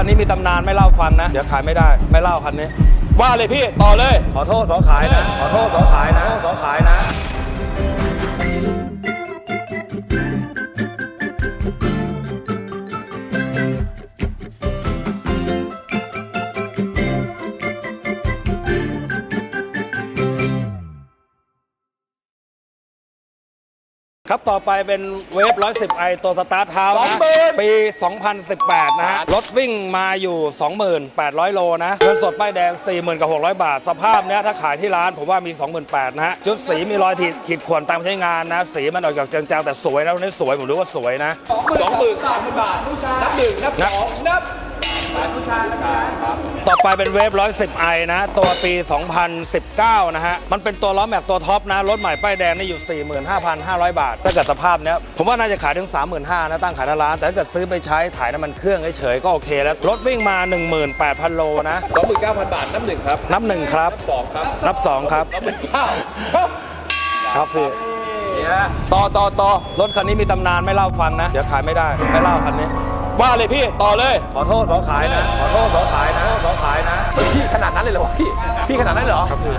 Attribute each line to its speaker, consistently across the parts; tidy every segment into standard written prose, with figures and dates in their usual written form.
Speaker 1: คันนี้มีตำนานไม่เล่าฟังนะเดี๋ยวขายไม่ได้ไม่เล่าคันนี้
Speaker 2: ว่าเลยพี่ต่อเลย
Speaker 1: ขอโทษขอขายนะขอโทษขอขายนะขอขายนะครับต่อไปเป็นเวฟ110i ตัวสตาร์ทเท้านะปี 2018 นะฮะรถวิ่งมาอยู่ 28,000 โลนะเงินสดป้ายแดง 40,600 บาทสภาพเนี้ยถ้าขายที่ร้านผมว่ามี 28,000 นะฮะจุดสีมีรอยขีดข่วนตามใช้งานนะสีมันออกจากจางๆแต่สวยนะนี่สวยผมรู้ว่าสวยนะ
Speaker 2: 23,000 บาทนับหนึ่งนับสองนับ
Speaker 1: ต่อไปเป็นเวฟ110i นะตัวปี 2019 นะฮะมันเป็นตัวล้อแม็กตัวท็อปนะรถใหม่ป้ายแดงนี่อยู่ 45,500 บาทถ้าเกิดสภาพเนี้ยผมว่าน่าจะขายถึง 35,000 นะตั้งขายหน้าร้านแต่ถ้าเกิดซื้อไปใช้ถ่ายน้ำมันเครื่องเฉยๆก็โอเคแล้วรถวิ่งมา 18,000 โลนะ
Speaker 2: 29,000 บาทนับหนึ่งครับ
Speaker 1: นับหนึ่งครับ
Speaker 2: สองครับ
Speaker 1: นับสองครับครับพี่
Speaker 2: ต่อ
Speaker 1: รถคันนี้มีตำนานไม่เล่าฟังนะเดี๋ยวขายไม่ได้ไม่เล่าคันนี้
Speaker 2: ว่าเลยพี่ต่อเลย
Speaker 1: ขอโทษขอขายนะขอโทษขอขายนะขอขายนะ
Speaker 2: พี่ขนาดนั้นเลยเหรอพี่ขนาดนั้นเหรอ
Speaker 1: ครับพี่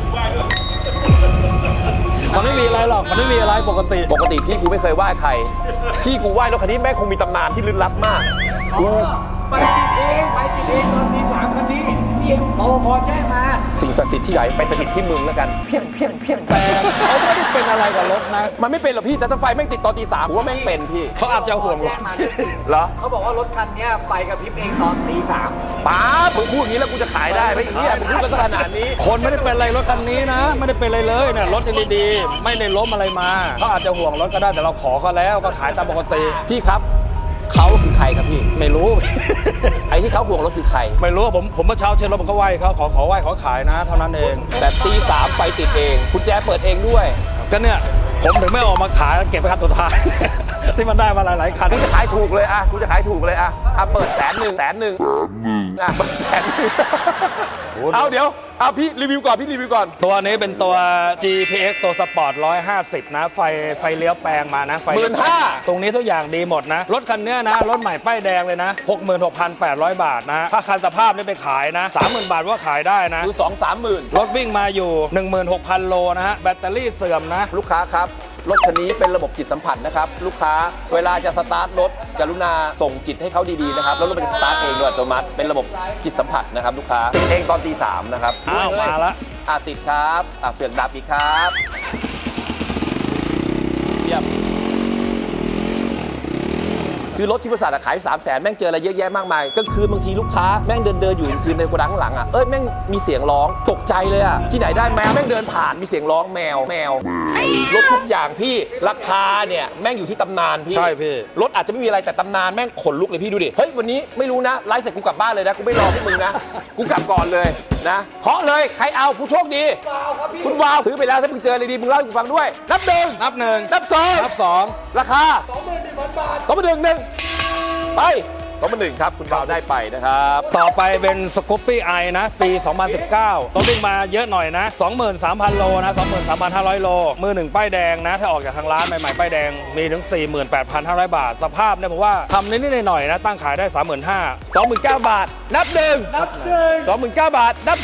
Speaker 1: มันไม่มีอะไรหรอกมันไม่มีอะไรปกติ
Speaker 2: พี่กูไม่เคยไหว้ใครพี่กูไหว้รถคันนี้แม่งคงมีตำนานที่ลึกลับมาก
Speaker 3: ไปติดเองตอนตี 3คันนี้พี่รปภแจ้งมา
Speaker 2: สิ่งศักดิ์สิทธิ์ที่ใหญ่ไปสถิตที่มึงแล้วกันเพียง
Speaker 1: แต่เขาไม่ได้เป็นอะไรกับรถนะ
Speaker 2: มันไม่เป็นหรอกพี่แต่ถ้าไฟแม่งติดตอนตี 3ผมว่าแม่งเป็นพี่
Speaker 1: เขาอาจจะห่วงรถ
Speaker 2: เหรอ
Speaker 3: เขาบอกว่ารถคันนี้ไฟกระพริบเองตอนตี 3
Speaker 2: ป้ามึงพูดอย่างนี้แล้วกูจะขายได้ไหมอย่างนี้มึงพูดกันขนาดนี้
Speaker 1: คนไม่ได้เป็นอะไรรถคันนี้นะไม่ได้เป็นอะไรเลยเนี่ยรถยังดีๆไม่ได้ล้มอะไรมาเขาอาจจะห่วงรถก็ได้แต่เราขอเขาแล้วก็ขายตามปกติ
Speaker 2: พี่ครับเขาคือใครครับพี่
Speaker 1: ไม่รู้
Speaker 2: ไอ้ที่เขาห่วงรถคือใคร
Speaker 1: ไม่รู้ผมเมื่อเช้าเช็ดรถผมก็ไหว้เขาขอไหว้ขอขายนะเท่านั้นเอง
Speaker 2: แต่ตี 3ไฟติดเองคุณแจเปิดเองด้วย
Speaker 1: ก็เนี่ยผมถึงไม่ออกมาขายเก็บไว้คันสุดท้าย ที่มันได้มาหลายคัน
Speaker 2: กูจะขายถูกเลยอ่ะกูจะขายถูกเลยอ่ะเปิด100,000อ่ะเปิด100,000เอาเดี๋ยวพี่รีวิวก่อน
Speaker 1: ตัวนี้เป็นตัว GPX ตัวสปอร์ต150นะไฟเลี้ยวแปลงมานะไฟ
Speaker 2: 15,000
Speaker 1: ตรงนี้ทุกอย่างดีหมดนะรถคันนี้นะรถใหม่ป้ายแดงเลยนะ 66,800 บาทนะถ้าคันสภาพนี่ไปขายนะ 30,000 บาทว่าขายได้นะ
Speaker 2: คือ 2-30,000
Speaker 1: รถวิ่งมาอยู่ 16,000 โลนะฮะแบตเตอรี่เสื่อมนะ
Speaker 2: ลูกค้าครับรถคันนี้เป็นระบบจิตสัมผัสนะครับลูกค้าเวลาจะสตาร์ทรถกรุณาส่งจิตให้เขาดีๆนะครับแล้วรถมันจะสตาร์ทเองโดยอัตโนมัติเป็นระบบจิตสัมผัสนะครับลูกค้าติดเองตอนตี 3นะครับ
Speaker 1: อ้าวมาละ
Speaker 2: ติดครับเสือกดับอีกครับเยี่ยมคือรถที่บริษัทขาย300,000แม่งเจออะไรเยอะแยะมากมายก็คือบางทีลูกค้าแม่งเดินอยู่คืนในโกดังข้างหลังแม่งมีเสียงร้องตกใจเลยที่ไหนได้แมวแม่งเดินผ่านมีเสียงร้องแมวรถทุกอย่างพี่ราคาเนี่ยแม่งอยู่ที่ตำนานพี่
Speaker 1: ใช่พี่
Speaker 2: รถอาจจะไม่มีอะไรแต่ตำนานแม่งขนลุกเลยพี่ดูดิเฮ้ยวันนี้ไม่รู้นะไลฟ์เสร็จกูกลับบ้านเลยนะกูไม่รอพวกมึงนะกูกลับก่อนเลยนะเคาะเลยใครเอาผู้โชคดีคุณวาวซื้อไปแล้วถ้ามึงเจออะไรดีมึงเล่าให้กูฟังด้วยนับ1
Speaker 1: นับ
Speaker 2: 2ราคา 21,000 บาท21,000ไป1ครับคุณบ่าวได้ไปนะครับ
Speaker 1: ต่อไปเป็นสกูปปี้ไอนะปี 2019รถวิ่งมาเยอะหน่อยนะ 23,000 โลนะ 23,500 โลมือหนึ่งป้ายแดงนะถ้าออกจากทางร้านใหม่ๆป้ายแดงมีถึง 48,500 บาทสภาพเนี่ยผมว่าทำนิดๆหน่อยๆนะตั้งขายได้ 35,000
Speaker 2: 29,000 บาทนับ1 29,000 บาทนับ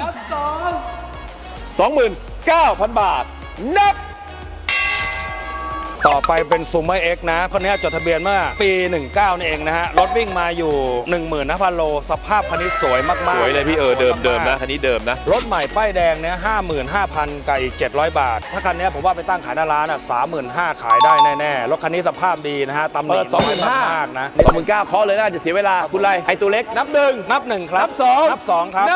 Speaker 2: 2 29,000 บาทนับ
Speaker 1: ต่อไปเป็นซูเมอร์เอ็กนะคันนี้จดทะเบียนเมื่อปี 19 นี่เองนะฮะรถวิ่งมาอยู่ 15,000 โลสภาพคันนี้สวยมากๆ
Speaker 2: สวยเลยพี่เดิมนะคันนี้เดิมนะ
Speaker 1: รถใหม่ป้ายแดงเนี่ย 55,000 กับอีก 700 บาทถ้าคันนี้ผมว่าไปตั้งขายหน้าร้าน35,000 ขายได้แน่ๆรถคันนี้สภาพดีนะฮะตำหนิน้อยมากนะ
Speaker 2: 29,000เคาะเลยนะจะเสียเวลาคุณไรไอตัวเล็กนับ
Speaker 1: 1ครับนับ2ครับ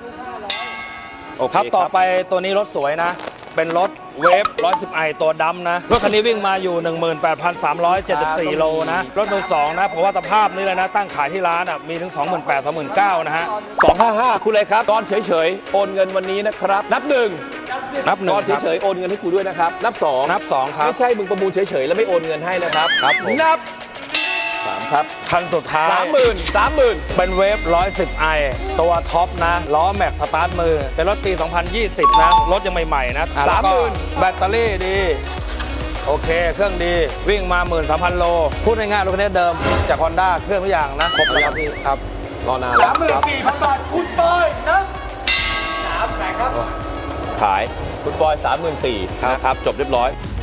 Speaker 1: ครับต่อไปตัวนี้รถสวยนะเป็นรถเวฟ110i ตัวดำนะรถคันนี้วิ่งมาอยู่ 18,374 โลนะรถมือ2นะเพราะว่าสภาพนี้เลยนะตั้งขายที่ร้านมีถึง 28,000 29,000 นะฮะ
Speaker 2: 255คุณเลยครับตอนเฉยๆโอนเงินวันนี้นะครับนับ1ตอนเฉยๆโอนเงินให้กูด้วยนะครับนับ2
Speaker 1: ครับ
Speaker 2: ไม่ใช่มึงประมูลเฉยๆแล้วไม่โอนเงินให้นะครับนับ3ครับ
Speaker 1: คันสุดท้าย
Speaker 2: 30,000
Speaker 1: เป็นเวฟ110i ตัวท็อปนะล้อแม็กสตาร์ทมือเป็นรถปี 2020 นะรถยังใหม่ๆนะ
Speaker 2: 30,000
Speaker 1: แบตเตอรี่ดีโอเคเครื่องดีวิ่งมา 13,000 โลพูดง่ายๆรถคันนี้เดิมจาก Honda เครื่องทุกอย่างนะครบแล้วครับพี่ครับ
Speaker 2: รอนานแล้ว
Speaker 3: 34,000 บาทคุณปอยนะ3แสนครับ
Speaker 2: ขายคุณบอย 34,000นะครับจบเรียบร้อย